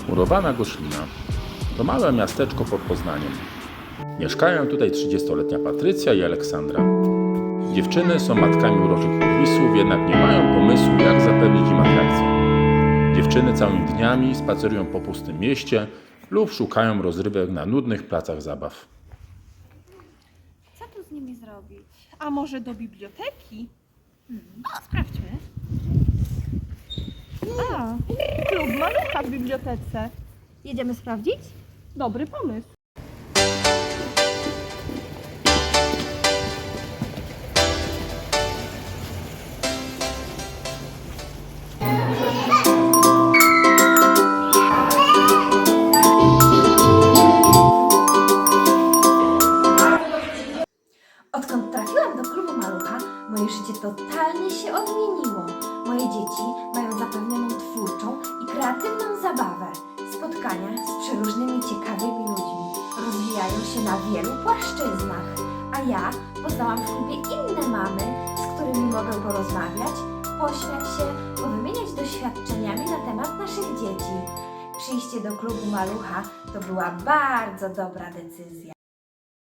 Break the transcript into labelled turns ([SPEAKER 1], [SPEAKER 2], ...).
[SPEAKER 1] Murowana Goszlina to małe miasteczko pod Poznaniem. Mieszkają tutaj 30-letnia Patrycja i Aleksandra. Dziewczyny są matkami uroczych urwisów, jednak nie mają pomysłu, jak zapewnić im atrakcję. Dziewczyny całymi dniami spacerują po pustym mieście lub szukają rozrywek na nudnych placach zabaw.
[SPEAKER 2] Co tu z nimi zrobić?
[SPEAKER 3] A może do biblioteki?
[SPEAKER 2] Sprawdźmy.
[SPEAKER 3] A, klub malucha w bibliotece.
[SPEAKER 2] Jedziemy sprawdzić?
[SPEAKER 3] Dobry pomysł.
[SPEAKER 4] Odkąd trafiłam do klubu malucha, moje życie totalnie się odmieniło. Moje dzieci mają zapewnioną twórczą i kreatywną zabawę. Spotkania z przeróżnymi ciekawymi ludźmi rozwijają się na wielu płaszczyznach. A ja poznałam w klubie inne mamy, z którymi mogę porozmawiać, pośmiać się, powymieniać doświadczeniami na temat naszych dzieci. Przyjście do klubu malucha to była bardzo dobra decyzja.